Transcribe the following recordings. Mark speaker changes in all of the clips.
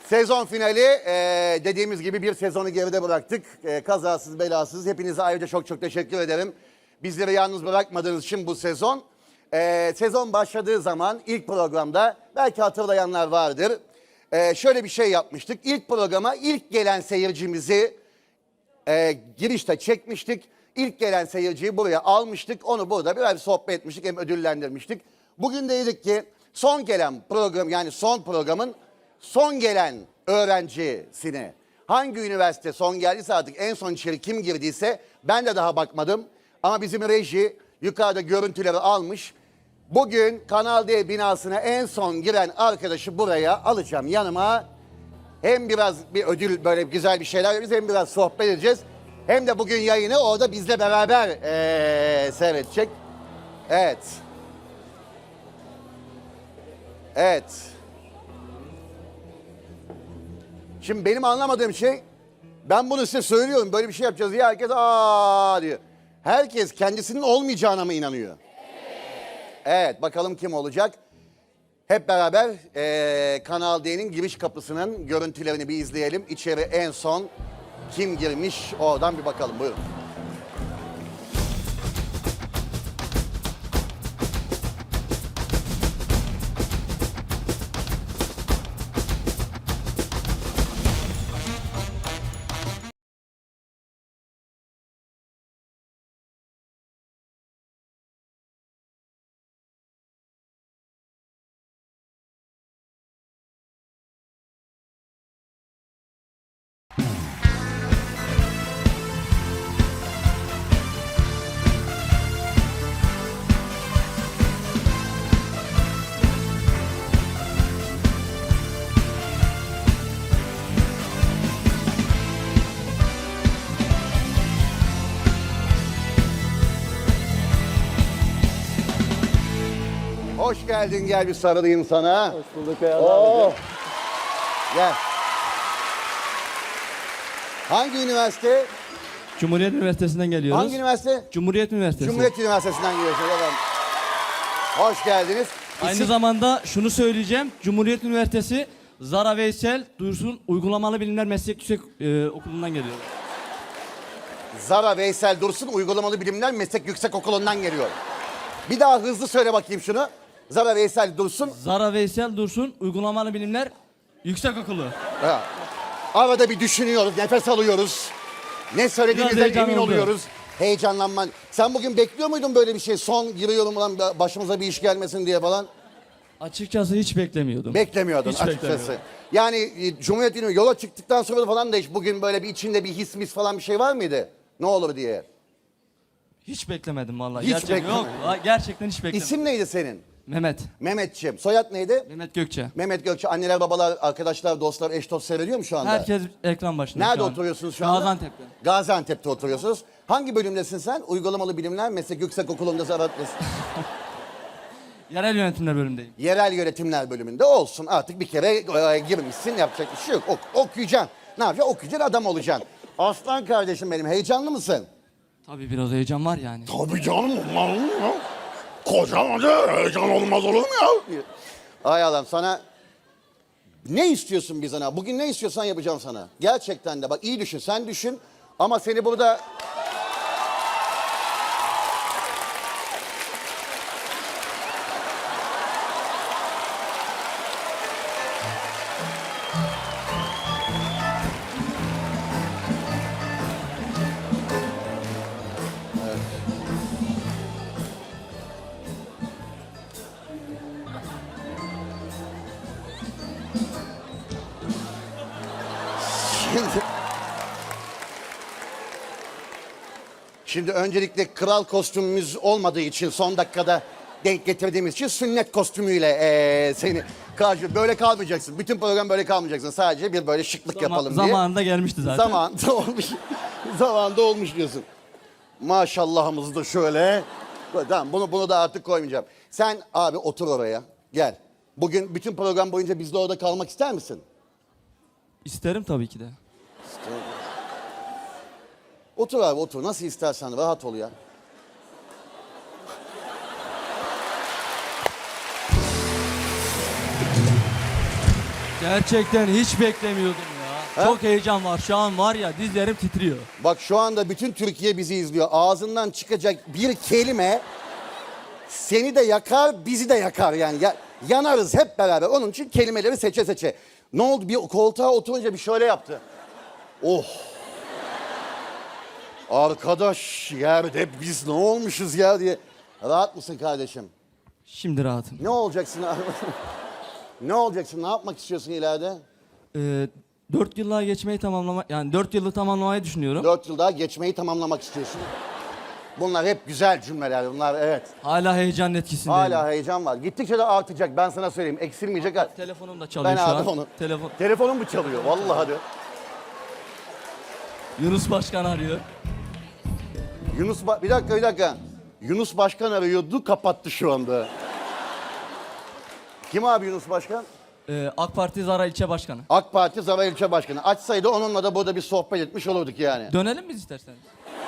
Speaker 1: Sezon finali dediğimiz gibi bir sezonu geride bıraktık. Kazasız belasız. Hepinize ayrıca çok çok teşekkür ederim. Bizleri yalnız bırakmadığınız için bu sezon. Sezon başladığı zaman ilk programda belki hatırlayanlar vardır. Şöyle bir şey yapmıştık. İlk programa ilk gelen seyircimizi girişte çekmiştik. İlk gelen seyirciyi buraya almıştık. Onu burada biraz sohbet etmiştik hem ödüllendirmiştik. Bugün de dedik ki son gelen program yani son programın son gelen öğrencisini hangi üniversite son geldiyse artık en son içeri kim girdiyse ben de daha bakmadım. Ama bizim reji yukarıda görüntüleri almış. Bugün Kanal D binasına en son giren arkadaşı buraya alacağım yanıma. Hem biraz bir ödül böyle güzel bir şeyler veririz hem biraz sohbet edeceğiz. Hem de bugün yayını orada bizle beraber seyredecek. Evet. Evet. Şimdi benim anlamadığım şey, ben bunu size söylüyorum, böyle bir şey yapacağız diye herkes aa diyor. Herkes kendisinin olmayacağına mı inanıyor? Evet, bakalım kim olacak? Hep beraber Kanal D'nin giriş kapısının görüntülerini bir izleyelim. İçeri en son kim girmiş oradan bir bakalım, buyurun. Hoş geldin, gel bir sarılayım sana.
Speaker 2: Hoş bulduk Beyaz
Speaker 1: Gel. Hangi üniversite?
Speaker 2: Cumhuriyet Üniversitesi'nden geliyoruz.
Speaker 1: Hangi üniversite?
Speaker 2: Cumhuriyet Üniversitesi.
Speaker 1: Cumhuriyet Üniversitesi'nden geliyorsunuz efendim. Hoş geldiniz.
Speaker 2: Aynı zamanda şunu söyleyeceğim. Cumhuriyet Üniversitesi Zara Veysel Dursun Uygulamalı Bilimler Meslek Yüksek Okulu'ndan geliyor.
Speaker 1: Zara Veysel Dursun Uygulamalı Bilimler Meslek Yüksekokulu'ndan geliyor. Bir daha hızlı söyle bakayım şunu. Zara Veysel Dursun.
Speaker 2: Zara Veysel Dursun Uygulamalı Bilimler Yüksekokulu.
Speaker 1: Ha. Arada bir düşünüyoruz, nefes alıyoruz. Ne söylediğimizden
Speaker 2: Biraz heyecan
Speaker 1: emin
Speaker 2: oldu.
Speaker 1: oluyoruz. Heyecanlanman. Sen bugün bekliyor muydun böyle bir şey? Son giriyorum ulan başımıza bir iş gelmesin diye falan.
Speaker 2: Açıkçası hiç beklemiyordum.
Speaker 1: Beklemiyordun
Speaker 2: Hiç
Speaker 1: açıkçası.
Speaker 2: beklemiyordum.
Speaker 1: Yani Cumhuriyet Üniversitesi yola çıktıktan sonra falan da hiç bugün böyle bir içinde bir his mis falan bir şey var mıydı? Ne olur diye.
Speaker 2: Hiç beklemedim vallahi.
Speaker 1: Hiç
Speaker 2: gerçekten
Speaker 1: beklemedim.
Speaker 2: yok. Gerçekten hiç beklemedim.
Speaker 1: İsim neydi senin?
Speaker 2: Mehmet.
Speaker 1: Mehmetciğim. Soyad neydi?
Speaker 2: Mehmet Gökçe.
Speaker 1: Mehmet Gökçe. Anneler, babalar, arkadaşlar, dostlar, eş dost seyrediyor mu şu anda?
Speaker 2: Herkes ekran başında.
Speaker 1: Nerede
Speaker 2: şu an.
Speaker 1: oturuyorsunuz şu anda?
Speaker 2: Gaziantep'te.
Speaker 1: Gaziantep'te oturuyorsunuz. Hangi bölümdesin sen? Uygulamalı Bilimler Meslek Yüksekokulu'nda Zarat
Speaker 2: Yerel yönetimler bölümündeyim.
Speaker 1: Yerel Yönetimler bölümünde olsun. Artık bir kere girmişsin, yapacak bir şey yok. Okuyacaksın. Ne yapacaksın? Okuyacaksın, adam olacaksın. Aslan kardeşim benim, heyecanlı mısın?
Speaker 2: Tabii biraz heyecan var yani.
Speaker 3: Tabii canım olmaz olur mu ya? Kocaman heyecan olmaz olur mu ya?
Speaker 1: Ay Allah'ım, sana ne istiyorsun bizden? Bugün ne istiyorsan yapacağım sana. Gerçekten de bak, iyi düşün, sen düşün. Ama seni burada... Şimdi öncelikle kral kostümümüz olmadığı için son dakikada denk getirdiğimiz için sünnet kostümüyle seni karşı böyle kalmayacaksın. Bütün program böyle kalmayacaksın. Sadece bir böyle şıklık yapalım diye.
Speaker 2: Zamanında gelmişti zaten.
Speaker 1: Zamanında olmuş. Zamanında olmuş diyorsun. Maşallahımız da şöyle. Tamam, bunu da artık koymayacağım. Sen abi otur oraya. Gel. Bugün bütün program boyunca bizle orada kalmak ister misin?
Speaker 2: İsterim tabii ki de.
Speaker 1: Otur abi otur. Nasıl istersen rahat ol ya.
Speaker 2: Gerçekten hiç beklemiyordum ya.
Speaker 1: Ha?
Speaker 2: Çok heyecan var. Şu an var ya dizlerim titriyor.
Speaker 1: Bak şu anda bütün Türkiye bizi izliyor. Ağzından çıkacak bir kelime seni de yakar, bizi de yakar yani. Yanarız hep beraber. Onun için kelimeleri seçe seçe. Ne oldu? Bir koltuğa oturunca bir şöyle yaptı. Oh. Arkadaş yerde biz ne olmuşuz ya diye. Rahat mısın kardeşim?
Speaker 2: Şimdi rahatım.
Speaker 1: Ne olacaksın abi? Ne olacaksın? Ne yapmak istiyorsun ileride?
Speaker 2: 4 yıllığa geçmeyi yani 4 yılı tamamlamayı düşünüyorum.
Speaker 1: 4 yıl daha geçmeyi tamamlamak istiyorsun. Bunlar hep güzel cümleler. Bunlar evet.
Speaker 2: Hala heyecanın etkisindeyim.
Speaker 1: Hala heyecan var. Gittikçe de artacak. Ben sana söyleyeyim. Eksilmeyecek.
Speaker 2: Telefonum da çalıyor
Speaker 1: Ben
Speaker 2: şu
Speaker 1: aldım
Speaker 2: an.
Speaker 1: onu.
Speaker 2: Telefonum
Speaker 1: mu çalıyor? Vallahi de.
Speaker 2: Yunus Başkan arıyor.
Speaker 1: Bir dakika. Yunus Başkan arıyordu, kapattı şu anda. Kim abi Yunus Başkan?
Speaker 2: AK Parti Zara İlçe Başkanı.
Speaker 1: AK Parti Zara İlçe Başkanı. Açsaydı onunla da burada bir sohbet etmiş olurduk yani.
Speaker 2: Dönelim biz isterseniz.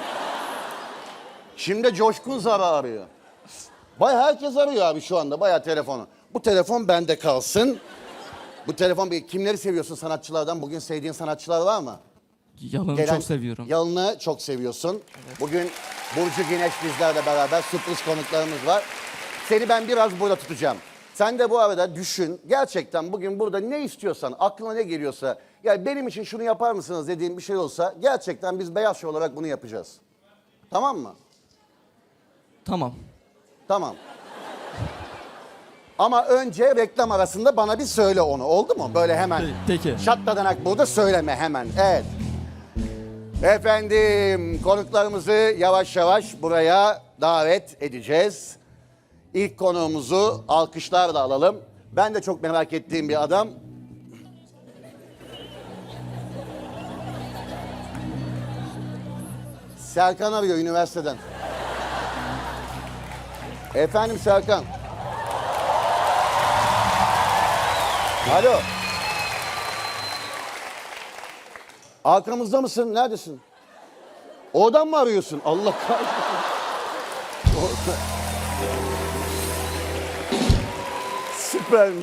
Speaker 1: Şimdi Coşkun Zara arıyor. Herkes arıyor abi şu anda bayağı telefonu. Bu telefon bende kalsın. Bu telefon kimleri seviyorsun sanatçılardan? Bugün sevdiğin sanatçılar var mı?
Speaker 2: Yalın'ı çok seviyorum.
Speaker 1: Yalın'ı çok seviyorsun. Evet. Bugün Burcu Güneş bizlerle beraber sürpriz konuklarımız var. Seni ben biraz burada tutacağım. Sen de bu arada düşün. Gerçekten bugün burada ne istiyorsan, aklına ne geliyorsa... Yani benim için şunu yapar mısınız dediğin bir şey olsa... Gerçekten biz Beyaz Show olarak bunu yapacağız. Tamam mı?
Speaker 2: Tamam.
Speaker 1: Tamam. Ama önce reklam arasında bana bir söyle onu. Oldu mu? Böyle hemen.
Speaker 2: Peki.
Speaker 1: Şatladanak burada söyleme hemen. Evet. Efendim konuklarımızı yavaş yavaş buraya davet edeceğiz. İlk konuğumuzu alkışlarla alalım. Ben de çok merak ettiğim bir adam. Serkan arıyor üniversiteden. Efendim Serkan. Alo. Arkamızda mısın? Neredesin? Oradan mı arıyorsun? Allah kahretsin. Süpermiş.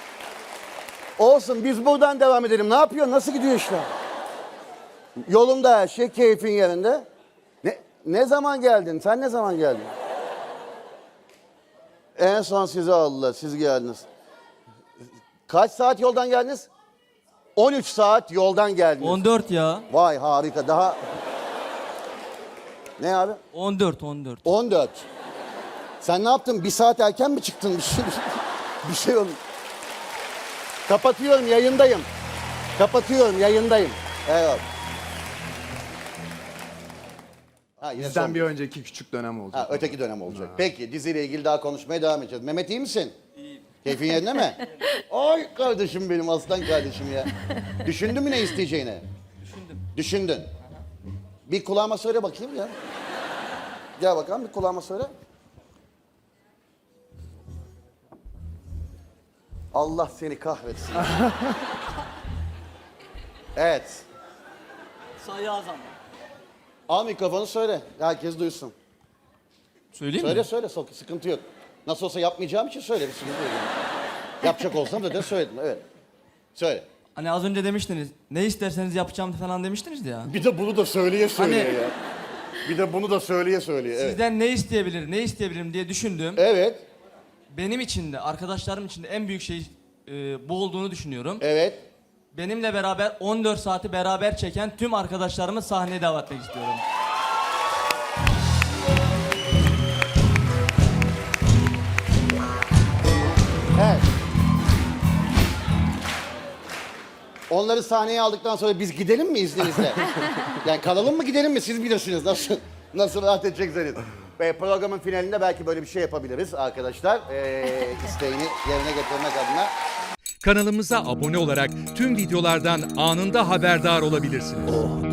Speaker 1: Olsun biz buradan devam edelim. Ne yapıyorsun? Nasıl gidiyor işler? Yolunda her şey, keyfin yerinde. Ne zaman geldin? Sen ne zaman geldin? En son sizi aldılar. Siz geldiniz. Kaç saat yoldan geldiniz? 13 saat yoldan geldiniz.
Speaker 2: 14 ya.
Speaker 1: Vay harika. Daha... Ne abi?
Speaker 2: 14.
Speaker 1: 14. Sen ne yaptın? Bir saat erken mi çıktın? Bir şey oldu. Kapatıyorum, yayındayım. Evet.
Speaker 4: Bizden bir önceki küçük dönem olacak.
Speaker 1: Öteki dönem olacak. Peki diziyle ilgili daha konuşmaya devam edeceğiz. Mehmet iyi misin? İyiyim. Keyfin yerinde mi? Ay kardeşim benim aslan kardeşim ya. Düşündün mü ne isteyeceğini? Düşündün. Bir kulağıma söyle bakayım ya. Gel bakalım bir kulağıma söyle. Allah seni kahretsin. Evet.
Speaker 2: Sayı azam.
Speaker 1: Al mikrofonu söyle. Herkes duysun.
Speaker 2: Söyleyeyim mi?
Speaker 1: Söyle sıkıntı yok. Nasıl olsa yapmayacağım için söyle bir sıkıntı yok. Yapacak olsam da söyledim evet. Söyle.
Speaker 2: Hani az önce demiştiniz ne isterseniz yapacağım falan demiştiniz ya.
Speaker 1: Bir de bunu da söyleye ya. Bir de bunu da söyleye evet.
Speaker 2: Sizden ne isteyebilirim diye düşündüm.
Speaker 1: Evet.
Speaker 2: Benim için de arkadaşlarım için de en büyük şey bu olduğunu düşünüyorum.
Speaker 1: Evet.
Speaker 2: Benimle beraber 14 saati beraber çeken tüm arkadaşlarımı sahneye davet etmek istiyorum.
Speaker 1: Evet. Onları sahneye aldıktan sonra biz gidelim mi izninizle? Yani kalalım mı gidelim mi siz bilirsiniz nasıl rahat edeceksiniz. Ve programın finalinde belki böyle bir şey yapabiliriz arkadaşlar. İsteğini yerine getirmek adına.
Speaker 5: Kanalımıza abone olarak tüm videolardan anında haberdar olabilirsiniz.